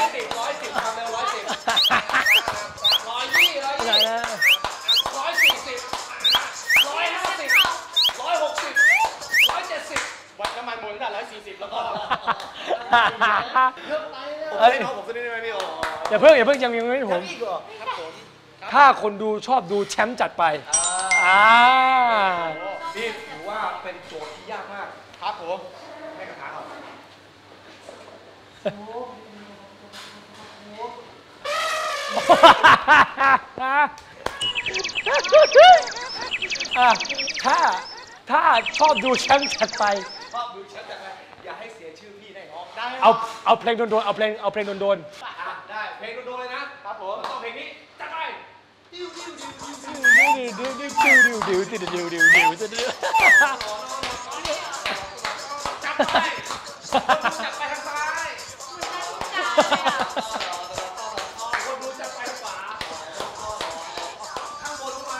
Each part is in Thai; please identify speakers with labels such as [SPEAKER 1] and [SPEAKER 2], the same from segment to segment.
[SPEAKER 1] 110ทำเร็ว110 120
[SPEAKER 2] วัดน้ำมันหมดตั้งแต่140แล้วก็
[SPEAKER 1] เฮ้ยผมจะได้ไหมพี่โอ้
[SPEAKER 3] อย่าเพิ่งยังไม่ผม
[SPEAKER 1] อีกเหรอ
[SPEAKER 2] ครับผม
[SPEAKER 3] ถ้าคนดูชอบดูแชมป์จัดไป
[SPEAKER 1] นี่ถือว่าเป็นโจทย์ที่ยากมาก
[SPEAKER 2] ครับผม
[SPEAKER 1] ให้กระทะเขา
[SPEAKER 3] ถ้าชอบดูแชมป์จัดไป
[SPEAKER 1] ชอบดูแชมป์จังเลยอย่าให้เสียชื่อพี่ได้น้องได้
[SPEAKER 3] เอาเพลงโดนๆเอาเพลงโดน
[SPEAKER 1] ได้เพลงโดนๆเลยนะครับผมต้องเพลงนี้จัดไป จับไปจับไปทางซ้ายคนดูจับไปทางขวาข้างบนมา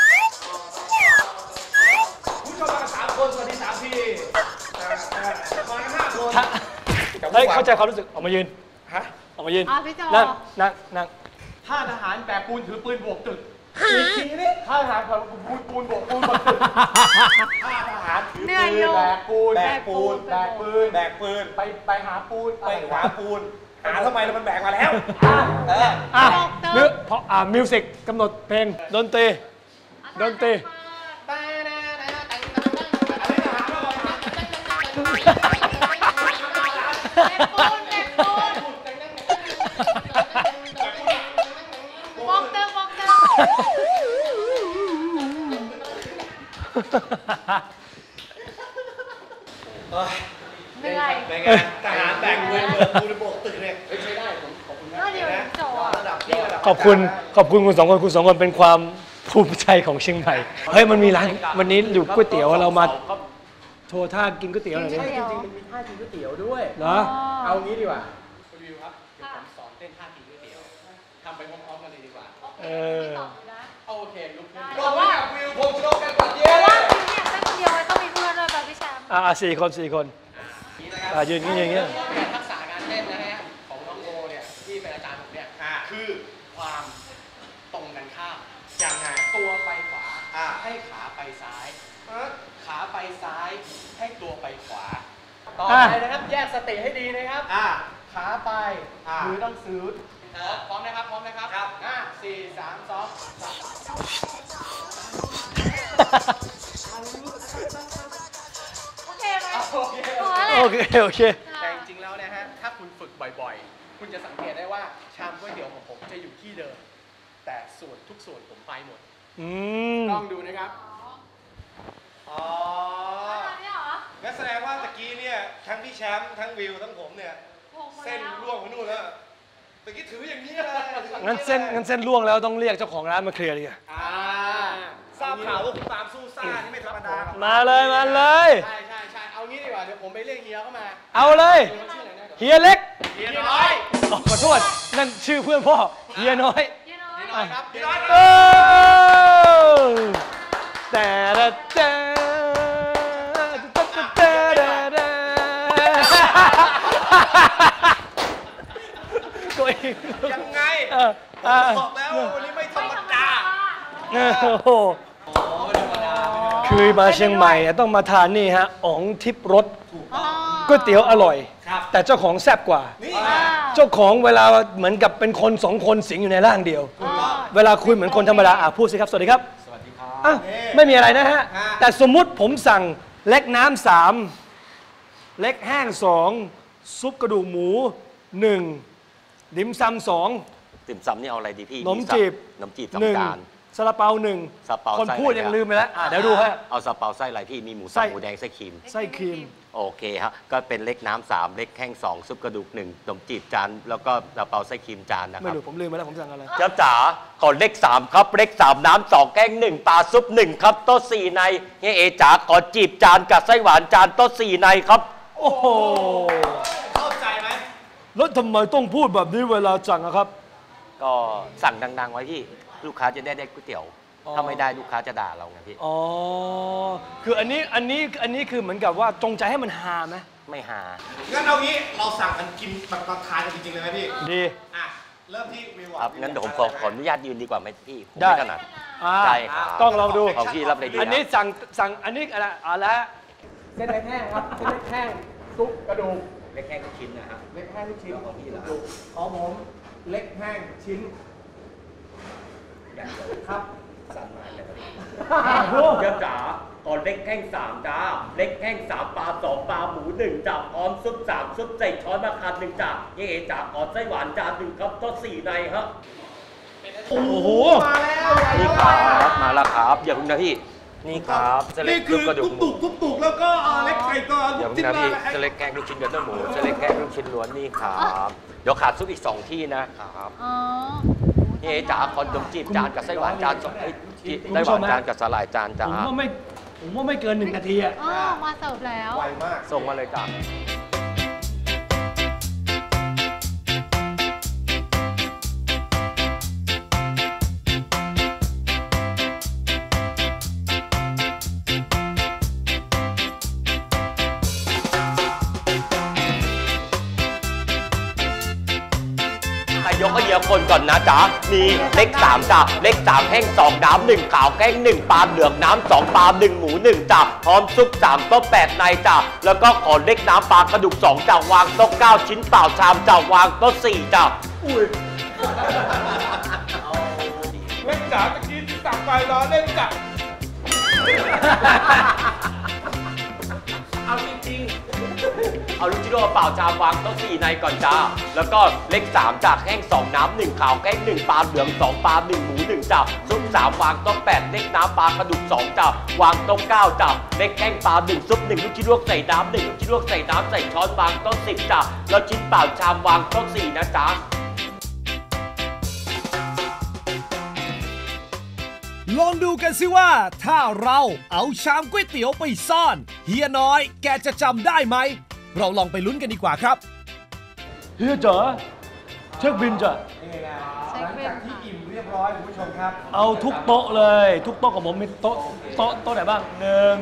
[SPEAKER 1] ผู้ชมมา3 คนสวัสดี3 ทีมากัน5 คน
[SPEAKER 3] เฮ้ยเข้าใจความรู้สึกออกมายืน
[SPEAKER 1] ฮะ
[SPEAKER 3] ออกมายืน
[SPEAKER 4] พี่โจ
[SPEAKER 3] นั่ง
[SPEAKER 2] ถ้าทหารแบกปูนถือปืนบวกตึกอีกทีนี่ถ้าทหารปูนบวกปูนบวกตึกถ้าทหารถือ
[SPEAKER 4] เหนื่อย
[SPEAKER 2] ปื
[SPEAKER 4] อน ยู่
[SPEAKER 2] แบกปูน
[SPEAKER 1] แบกปูน
[SPEAKER 2] แบกปืน
[SPEAKER 1] แบกปืน
[SPEAKER 2] ไปหาปูน
[SPEAKER 1] ไปหาปูนหาทำไมแล้วมันแบกมาแล้ว
[SPEAKER 3] มิวสิกกำหนดเพลงดนตรี
[SPEAKER 4] บอกเติมเหนื่อย
[SPEAKER 1] เป็นไงทหารแบกปืนเบิกปูนโบกตึกเนี่ย
[SPEAKER 2] ใช้ได้ผมขอบคุณนะ
[SPEAKER 4] ก็เดี๋ยวโจ
[SPEAKER 1] ระดับนี้ระดับ
[SPEAKER 3] ขอบคุณคุณ2 คนเป็นความภูมิใจของเชียงใหม่เฮ้ยมันมีร้านวันนี้อยู่ก๋วยเตี๋ยวเรามาโชว์ท่ากินก๋วยเตี๋ยวหน่อยดิ
[SPEAKER 2] ใช่จริงๆมันมีท่ากินก๋วยเตี๋ยวด้วย
[SPEAKER 3] เหรอ
[SPEAKER 2] เอางี้ดีกว่า
[SPEAKER 1] คุณวิวครับ เดี๋ยวผมสอนเต้นท่ากินก๋วยเตี๋ยวทำไปพร้อมๆกันเลยดีกว่า
[SPEAKER 3] เออ
[SPEAKER 1] โอเคลุกขึ้น
[SPEAKER 4] แต่ว่า
[SPEAKER 1] วิวผมชกกันก่อนเย้
[SPEAKER 4] แต่ว่าพี่เนี่ยเต้นคนเดียวไว้ต้องมีเพื่อนด้วยแบบพี่แชมป์
[SPEAKER 3] สี่คนยืนอย่างเงี้ย
[SPEAKER 1] ทักษะการเต้นนะฮะของน้องโบเนี่ยที่เป็นอาจารย์ผมเนี่ยคือความตรงกันข้ามอย่างไงตัวไปขวาให้ขาไปซ้ายขาไปซ้ายให้ตัวไปขวาต่อไปนะครับแยกสติให้ดีนะครับขาไปมือต้องซื้อพร้อมนะครับ4 3 2
[SPEAKER 4] โอเคไหม
[SPEAKER 3] โอเค
[SPEAKER 1] แต่จริงๆแล้วนะฮะถ้าคุณฝึกบ่อยๆคุณจะสังเกตได้ว่าชามก๋วยเตี๋ยวของผมจะอยู่ที่เดิมแต่ส่วนทุกส่วนผมไปหมดลองดูนะครับอ๋อ
[SPEAKER 4] นี่เหรอ
[SPEAKER 1] งั้นแสดงว่าตะกี้เนี่ยทั้งพี่แชมป์ทั้งวิวทั้งผมเนี่ยเส้นร่วงไปนู่นแล้วตะกี้ถืออย่างนี้เลย
[SPEAKER 3] งั้นเส้นล่วงแล้วต้องเรียกเจ้าของร้านมาเคลียร์ดิ
[SPEAKER 1] ทราบข่าวว่าคุณปาล์มสู้ซ่านี่ไม่ธรรมดา
[SPEAKER 3] มาเลย
[SPEAKER 1] ใช่เอางี้ดีกว่าเดี๋ยวผมไปเรียกเฮียเข้ามา
[SPEAKER 3] เอาเลยเฮียเล็ก
[SPEAKER 1] เฮียน้อย
[SPEAKER 3] ขอโทษนั่นชื่อเพื่อนพ่อเฮียน้อย
[SPEAKER 4] เยน้อย
[SPEAKER 1] ครับเฮียน้อย
[SPEAKER 3] ตัวเอง
[SPEAKER 1] ยังไงบอกแล้ววันนี้ไม่ธรรมดา
[SPEAKER 3] โอ้โหคือมาเชียงใหม่ต้องมาทานนี่ฮะอ๋องทิพย์รสก๋วยเตี๋ยวอร่อยแต่เจ้าของแซ่บกว่าเจ้าของเวลาเหมือนกับเป็นคนสองคนสิงอยู่ในร่างเดียวเวลาคุยเหมือนคนธรรมดาพูดสิครับสวัสดีครับสวัสดีครับไม่มีอะไรนะฮะแต่สมมุติผมสั่งเล็กน้ำ3เล็กแห้ง2ซุปกระดูกหมู1ดิมซำ2
[SPEAKER 5] ติ่มซำนี่เอาอะไรดีพี่
[SPEAKER 3] นมจีบ
[SPEAKER 5] นมจีบสองจาน
[SPEAKER 3] ซาลาเปา
[SPEAKER 5] ซาลาเปา
[SPEAKER 3] คน
[SPEAKER 5] ไส้
[SPEAKER 3] พูด
[SPEAKER 5] อะไร
[SPEAKER 3] ยัง
[SPEAKER 5] อะ
[SPEAKER 3] ลืมไปแล้วเดี๋ยวดูฮะ
[SPEAKER 5] เอาซาลาเปาไส้อะไรพี่มีหมู
[SPEAKER 3] ไส้
[SPEAKER 5] สับหมูแดงไส้ครีม
[SPEAKER 3] ไส้ครีม
[SPEAKER 5] โอเคครับก็เป็นเล็กน้ำ3เล็กแห้ง2ซุปกระดูก1นมจีบจานแล้วก็ซาลาเปาไส้ครีมจานนะค
[SPEAKER 3] ไม่
[SPEAKER 5] รับ
[SPEAKER 3] รู้ผมลืมไปแล้วผมสั่งอะไร
[SPEAKER 5] เจ้าจ๋าขอเล็ก3ครับเล็ก3น้ำ2แกง1ปลาซุป1ครับโต๊ะ4ในเฮียเอจ๋าขอจีบจานกับไส้หวานจานโต๊ะ4ในครับ
[SPEAKER 3] โอ้โห
[SPEAKER 1] เข้าใจไหม
[SPEAKER 3] แล้วทำไมต้องพูดแบบนี้เวลาสั่งอะครับ
[SPEAKER 5] ก็สั่งดังๆไว้พี่ลูกค้าจะได้ก๋วยเตี๋ยวถ้าไม่ได้ลูกค้าจะด่าเราไงพี่
[SPEAKER 3] อ๋อคืออันนี้คือเหมือนกับว่าจงใจให้มันฮาไหม
[SPEAKER 5] ไม่หา
[SPEAKER 1] งั้นเอางี้เราสั่งกันกินแบบมาทานกันจริงๆเลยไหมพี่
[SPEAKER 3] ดี
[SPEAKER 1] เริ่มที่วิว
[SPEAKER 5] ครับงั้นเดี๋ยวผมขออนุญาตยืนดีกว่าไหมพี่ผม
[SPEAKER 3] ได้
[SPEAKER 5] ไม่ถนัด ใช่ครับ
[SPEAKER 3] ต้องลองดู
[SPEAKER 5] ของพี่รับเลยดี
[SPEAKER 3] อันนี้สั่งอันนี้อะไร
[SPEAKER 2] เส้นเล็กแห้งครับเส้นเล็กแห้งซุปกระดูก
[SPEAKER 5] เล็กแค่ทุกชิ้นนะครับ
[SPEAKER 2] เล็กแห้งลูกชิ้น
[SPEAKER 5] ของพี่เหรอ
[SPEAKER 2] ของผมเล็กแห้งชิ้น
[SPEAKER 5] อย่างเดียว
[SPEAKER 2] ครับ
[SPEAKER 5] สั่นหมายเลยครับเจ้าจ๋าขอเล็กแห้ง3จ้าเล็กแห้ง3ปลา2ปลาหมู1จ้าพร้อมซุป3ซุปใส่ช้อนมะขาม1จ้าเย่จ๋าขอไส้หวานจาน1ครับโต๊ะ4ในครับ
[SPEAKER 3] โอ้โห
[SPEAKER 2] มาแล้ว
[SPEAKER 5] นี่ครับมาแล้วครับอย่าเพิ่งนะพี่นี่ครับเส้นเล็
[SPEAKER 1] นี่
[SPEAKER 5] ก
[SPEAKER 1] คือ
[SPEAKER 5] กระดูกหมู
[SPEAKER 1] ตุกแล้วก็เล็กไก่ก่อน
[SPEAKER 5] อย่าเพิ่งนะพี่เส้นเล็กแกงลูกชิ้นเดือดหมูเส้นเล็กแกงลูกชิ้นล้วนนี่ครับเดี๋ยวขาดซุปอีก2ที่นะครับ
[SPEAKER 4] อ๋อ
[SPEAKER 5] เย่จ๋าขอนมจีบจานกับไส้หวานจาน2ไส้หวานจานกับสาหร่ายจานจ้า
[SPEAKER 3] ผมว่าไม่เกิน1 นาทีอะ
[SPEAKER 4] อ๋อมาเสิร์ฟแล้ว
[SPEAKER 1] ไวมาก
[SPEAKER 5] ส่งมาเลยจ้า ยกให้เยอะคนก่อนนะจ๊ะ มีเล็ก3จ้ะเล็ก3แห้ง2น้ำ1ขาวแกง1ปลาเหลืองน้ำ2ปลา1หมู1จ้ะพร้อมซุป3โต๊ะ8ในจ้ะแล้วก็ขอเล็กน้ำปลากระดูก2จ้ะวางโต๊ะ9ชิ้นเปล่าชามจ้ะวางโต๊ะ4จ้ะ
[SPEAKER 1] เล่นจ๋าตะกี้ที่สั่งไปรอเล่นจ๋า
[SPEAKER 5] เอาจริงๆเอาลูกชิ้นโลเปล่าชามวางโต๊ะ4ในก่อนจ้าแล้วก็เล็ก3จากแห้ง2น้ำ1ขาวแกง1ปลาเหลือง2ปลา1หมู1จ้ะซุป3วางโต๊ะ8เล็กน้ำปลากระดูก2จ้ะวางโต๊ะ9จ้ะเล็กแห้งปลา1ซุป1ลูกชิ้นลวกใส่น้ำ1ลูกชิ้นลวกใส่น้ำใส่ช้อนวางโต๊ะ10จ้ะแล้วชิ้นเปล่าชามวางโต๊ะ4นะจ๊ะ
[SPEAKER 6] ลองดูกันสิว่าถ้าเราเอาชามก๋วยเตี๋ยวไปซ่อนเฮียน้อยแกจะจำได้ไหมเราลองไปลุ้นกันดีกว่าครับ
[SPEAKER 3] เฮียจ๋าเช็คบินจ้ะ
[SPEAKER 1] นี่ไงหลังจากที่อิ่มเรียบร้อยคุณผู้ชมครับ
[SPEAKER 3] เอาทุกโต๊ะเลย ทุกโต๊ะของผมมีโต๊ะไหนบ้าง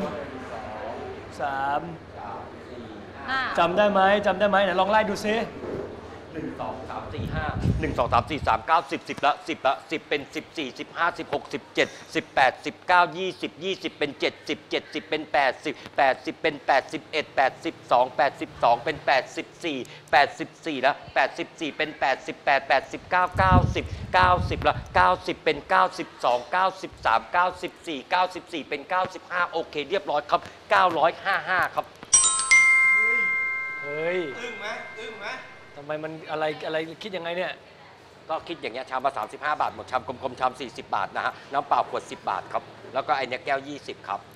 [SPEAKER 3] 1 3 จำได้ไหมไหนลองไล่ดูซิ
[SPEAKER 5] 1 2 3 4 5 1 2 3 4 3 9 10 10ละ10ละ10เป็น14 15 16 17 18 19 20 20เป็น70 70เป็น80 80เป็น81 82 82เป็น84 84ละ84เป็น88 89 90 90ละ90เป็น92 93 94 94เป็น95โอเคเรียบร้อยครับ955ครับ
[SPEAKER 3] เฮ้ย
[SPEAKER 1] อึ้งไหม
[SPEAKER 3] ทำไมมันอะไรคิดยังไงเนี่ย
[SPEAKER 5] ก็คิดอย่างเงี้ยชามละ35 บาทหมดชามกลมๆชาม40 บาทนะฮะน้ำเปล่าขวด10 บาทครับแล้วก็ไอเนี้ยแก้ว20ครับ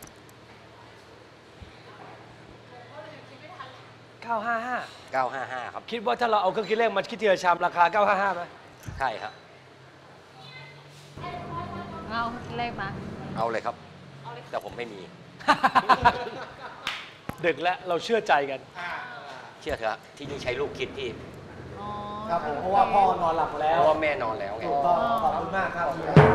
[SPEAKER 3] 955
[SPEAKER 5] 955ครับ
[SPEAKER 3] คิดว่าถ้าเราเอาเครื่องคิดเลขมาคิดทีละชามราคา 955ไหม
[SPEAKER 5] ใช่ฮะ
[SPEAKER 4] เอาเลขมา
[SPEAKER 5] เอาเลยครับแต่ผมไม่มี
[SPEAKER 3] ดึกแล้วเราเชื่อใจกัน
[SPEAKER 5] เชื่อเถอะที่นี่ใช้ลูกคิดที่
[SPEAKER 4] อ๋อ
[SPEAKER 1] ครับผมเพราะว่าพ่อนอนหลับแล้
[SPEAKER 5] เพ
[SPEAKER 1] ว
[SPEAKER 5] ราะว่าแม่นอนแล้วไง
[SPEAKER 1] ถูกต้องขอบคุณมากครับ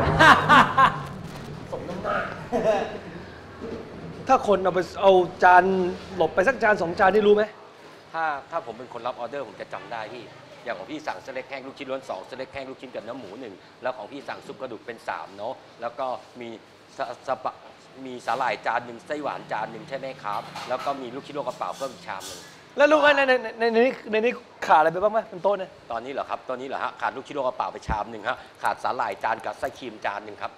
[SPEAKER 3] สมน้ำหน้า ถ้าคนเอาจานหลบไปสักจาน2 จานนี่รู้ไหม
[SPEAKER 5] ถ้าผมเป็นคนรับออเดอร์ผมจะจำได้พี่อย่างของพี่สั่งสเต็กแห้งลูกชิ้นล้วน2สเต็กแห้งลูกชิ้นกับเนื้อหมู1แล้วของพี่สั่งซุปกระดูกเป็น3เนาะแล้วก็มีมีสาหร่ายจาน1ไส้หวานจาน1ใช่ไหมครับแล้วก็มีลูกชิ้นโลกระเป๋าเพิ่มอีกชามนึง
[SPEAKER 3] แล้วลูกในนี้ขาดอะไรไปบ้างไหมเป็นโต๊ะเนี่ย
[SPEAKER 5] ตอนนี้เหรอครับตอนนี้เหรอฮะขาดลูกชิ้นโลกระเป๋าไปชามนึงฮะขาดสาหร่ายจานกับไส้ครีมจานนึงครับ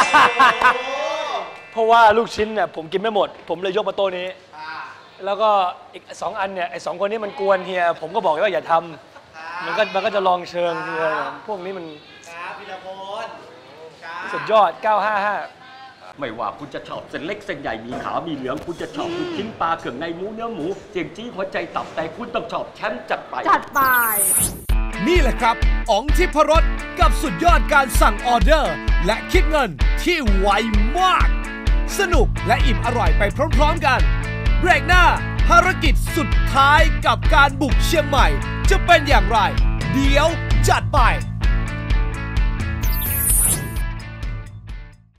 [SPEAKER 3] เพราะว่าลูกชิ้นเนี่ยผมกินไม่หมด ผมเลยยกมาโต๊ะนี้ แล้วก็อีก2 อันเนี่ยไอ้2 คนนี้มันกวนเฮียผมก็บอกว่าอย่าทำมันก็จะลองเชิงเฮียพวกนี้มัน
[SPEAKER 1] ครับพีรพลครับ
[SPEAKER 3] สุดยอด 955
[SPEAKER 5] ไม่ว่าคุณจะชอบเส้นเล็กเส้นใหญ่มีขาวมีเหลืองคุณจะชอบลูกชิ้นปลาเครื่องในหมูเนื้อหมูเจียงจี้หัวใจตับแต่คุณต้องชอบแชมป์จัดไป
[SPEAKER 4] จัดไป
[SPEAKER 6] นี่แหละครับอ๋องทิพรสกับสุดยอดการสั่งออเดอร์ และคิดเงินที่ไวมาก สนุกและอิ่มอร่อยไปพร้อมๆกัน เบรกหน้าภารกิจสุดท้ายกับการบุกเชียงใหม่ จะเป็นอย่างไร เดี๋ยวจัดไป